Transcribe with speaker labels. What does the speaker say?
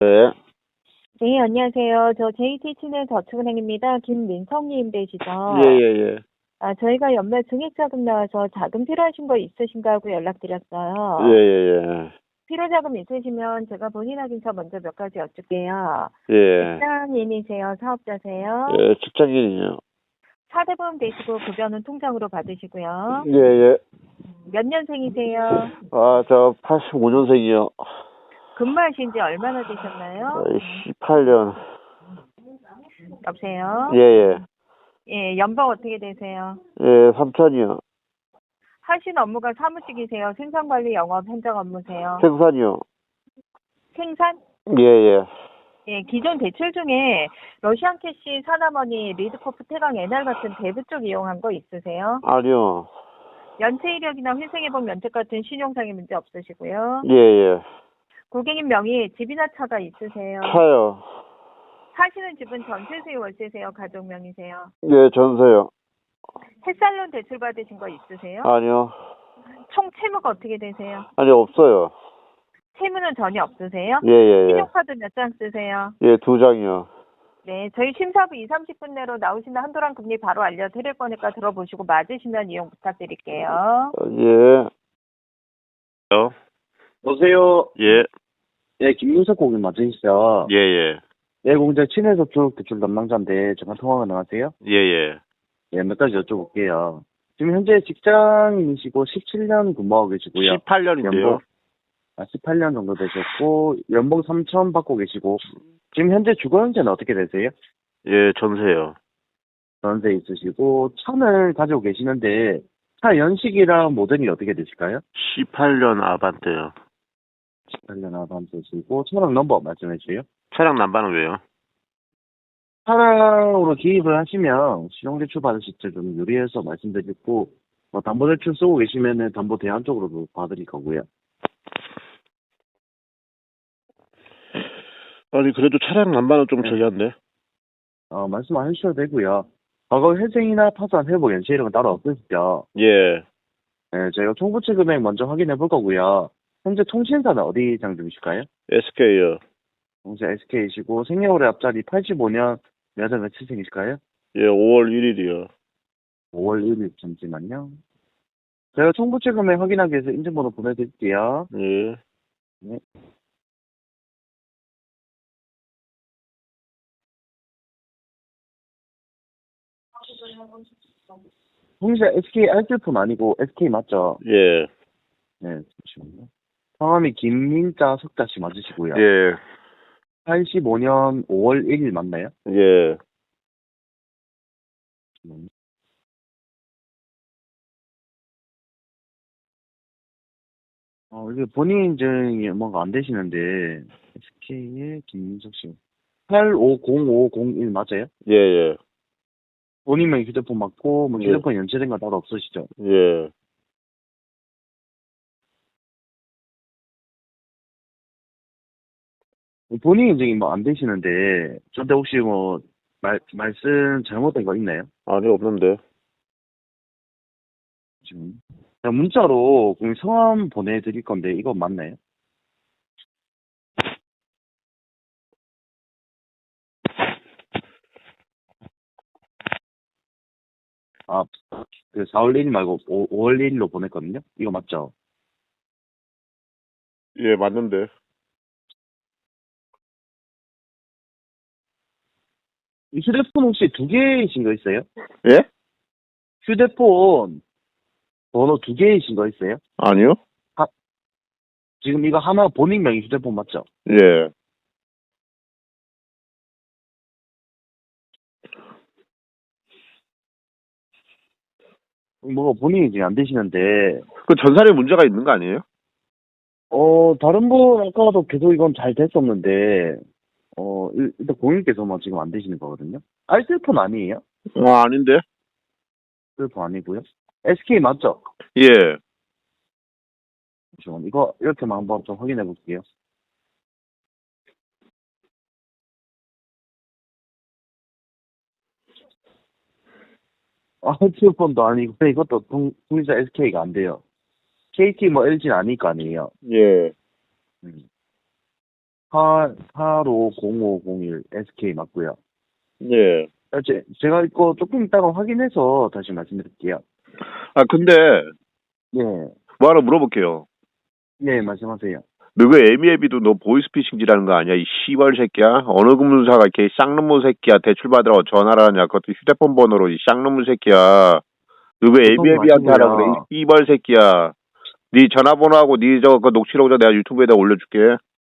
Speaker 1: 네,
Speaker 2: 네, 안녕하세요. 저 JT치는 저축은행입니다. 김민성님
Speaker 1: 예,
Speaker 2: 되시죠?
Speaker 1: 예, 예.
Speaker 2: 저희가 연말 증액자금 나와서 자금 필요하신 거 있으신가 하고
Speaker 1: 예,
Speaker 2: 연락드렸어요.
Speaker 1: 예,
Speaker 2: 필요자금 있으시면 제가 본인 확인서 먼저 몇 가지 여쭐게요.
Speaker 1: 예. 예,
Speaker 2: 직장인이세요? 사업자세요?
Speaker 1: 예, 직장인이요.
Speaker 2: 4대 보험 되시고 급여는 통장으로 받으시고요.
Speaker 1: 예, 예.
Speaker 2: 몇 년생이세요?
Speaker 1: 저 85년생이요.
Speaker 2: 근무하신 지 얼마나 되셨나요?
Speaker 1: 18년. 예,
Speaker 2: 여보세요?
Speaker 1: 예.
Speaker 2: 예, 연봉 어떻게 되세요?
Speaker 1: 예, 3천이요.
Speaker 2: 하신 업무가 사무직이세요? 생산관리, 영업, 행정 업무세요?
Speaker 1: 생산이요.
Speaker 2: 생산?
Speaker 1: 예, 예.
Speaker 2: 예, 기존 대출 중에 러시안 캐시, 사나머니, 리드코프, 태강, NR 같은 대부 쪽 이용한 거 있으세요?
Speaker 1: 아니요.
Speaker 2: 연체 이력이나 회생해본 면책 같은 신용상의 문제 없으시고요.
Speaker 1: 예, 예.
Speaker 2: 고객님 명의 집이나 차가 있으세요?
Speaker 1: 차요.
Speaker 2: 사시는 집은 전세세요, 월세세요, 가족 명의세요?
Speaker 1: 예, 전세요.
Speaker 2: 햇살론 대출 받으신 거 있으세요?
Speaker 1: 아니요.
Speaker 2: 총 채무가 어떻게 되세요?
Speaker 1: 아니, 없어요.
Speaker 2: 채무는 전혀 없으세요?
Speaker 1: 예, 예, 예.
Speaker 2: 신용카드 몇 장 쓰세요?
Speaker 1: 예, 2장이요.
Speaker 2: 네, 저희 심사부 2, 30분 내로 나오시는 한도랑 금리 바로 알려드릴 거니까 들어보시고 맞으시면 이용 부탁드릴게요.
Speaker 1: 예.
Speaker 3: 여보세요.
Speaker 1: 예,
Speaker 3: 예, 김윤석 고객님 맞으시죠?
Speaker 1: 예, 예.
Speaker 3: 예, 공장 친해저축 대출 담당자인데 잠깐 통화 가능하세요?
Speaker 1: 예, 예.
Speaker 3: 예, 몇 가지 여쭤볼게요. 지금 현재 직장인이시고 17년 근무하고 계시고요.
Speaker 1: 18년인데요.
Speaker 3: 18년 정도 되셨고 연봉 3천 받고 계시고 지금 현재 주거 형태는 어떻게 되세요?
Speaker 1: 예, 전세요.
Speaker 3: 전세 있으시고 차를 가지고 계시는데 차 연식이랑 모델이 어떻게 되실까요?
Speaker 1: 18년 아반떼요.
Speaker 3: 18년 아반떼시고 차량 넘버 말씀해 주세요.
Speaker 1: 차량 난방은 왜요?
Speaker 3: 차량으로 기입을 하시면 신용대출 받으실 때 좀 유리해서 말씀드리고, 담보대출 쓰고 계시면은 담보 대안 쪽으로도 봐드릴 거고요.
Speaker 1: 아니, 그래도 차량 난방은 좀
Speaker 3: 네.
Speaker 1: 저기한데.
Speaker 3: 말씀 안 해주셔도 되고요. 과거 회생이나 파산, 회복, 연체 이런 건 따로 없으시죠?
Speaker 1: 예.
Speaker 3: 네, 저희가 총부채 금액 먼저 확인해 볼 거고요. 현재 통신사는 어디 장점이실까요?
Speaker 1: SK요.
Speaker 3: 동시 SK이시고, 생년월일 앞자리 85년 몇 월 며칠생이실까요?
Speaker 1: 예, 5월 1일이요.
Speaker 3: 5월 1일, 잠시만요. 제가 총부채 금액 확인하기 위해서 인증번호 보내드릴게요.
Speaker 1: 예.
Speaker 3: 네. 홍시자 SK 알뜰폰 아니고 SK 맞죠?
Speaker 1: 예.
Speaker 3: 네, 잠시만요. 성함이 김민자 석자씨 맞으시고요.
Speaker 1: 예.
Speaker 3: 85년 5월 1일 맞나요?
Speaker 1: 예.
Speaker 3: 이게 본인 인증이 뭔가 안 되시는데 SK의 김민석 씨 850501 맞아요?
Speaker 1: 예, 예.
Speaker 3: 본인명 휴대폰 맞고 뭐
Speaker 1: 예.
Speaker 3: 휴대폰 연체된 거 따로 없으시죠?
Speaker 1: 예.
Speaker 3: 본인 인증이 뭐 안 되시는데 저한테 혹시 뭐 말씀 잘못된 거 있나요?
Speaker 1: 아니, 없는데.
Speaker 3: 지금 제가 문자로 그럼 성함 보내드릴 건데 이거 맞나요? 아, 그 4월 1일 말고 5월 1일로 보냈거든요? 이거 맞죠?
Speaker 1: 예, 맞는데.
Speaker 3: 이 휴대폰 혹시 두 개이신 거 있어요?
Speaker 1: 예?
Speaker 3: 휴대폰 번호 두 개이신 거 있어요?
Speaker 1: 아니요?
Speaker 3: 지금 이거 하나 본인 명의 휴대폰 맞죠?
Speaker 1: 예.
Speaker 3: 뭐가 본인이 지금 안 되시는데,
Speaker 1: 그 전산에 문제가 있는 거 아니에요?
Speaker 3: 다른 분 아까도 계속 이건 잘 됐었는데, 일단 고객님께서만 지금 안 되시는 거거든요? 알뜰폰 아니에요?
Speaker 1: 아닌데.
Speaker 3: 알뜰폰 아니고요? SK 맞죠?
Speaker 1: 예.
Speaker 3: 잠시만, 이거 이렇게만 한번 좀 확인해 볼게요. 알뜰폰도 아니고, 이것도 통신사 SK가 안 돼요. KT 뭐 LG는 아닐 거 아니에요?
Speaker 1: 예.
Speaker 3: 음. 850501 SK 맞고요.
Speaker 1: 네.
Speaker 3: 제가 이거 조금 이따가 확인해서 다시 말씀드릴게요.
Speaker 1: 아, 근데,
Speaker 3: 예,
Speaker 1: 뭐 하나 물어볼게요.
Speaker 3: 예, 말씀하세요.
Speaker 1: 너 그 에미에비도 너 보이스피싱지라는 거 아니야? 이 씨발 새끼야? 어느 금융사가 이렇게 쌍놈의 새끼야 대출 받으러 전화를 하냐? 그것도 휴대폰 번호로 이 쌍놈의 새끼야. 너 그 에미에비한테 하라 그래? 이 씨발 새끼야. 네 전화번호하고 네 그 녹취록을 내가 유튜브에다 올려줄게.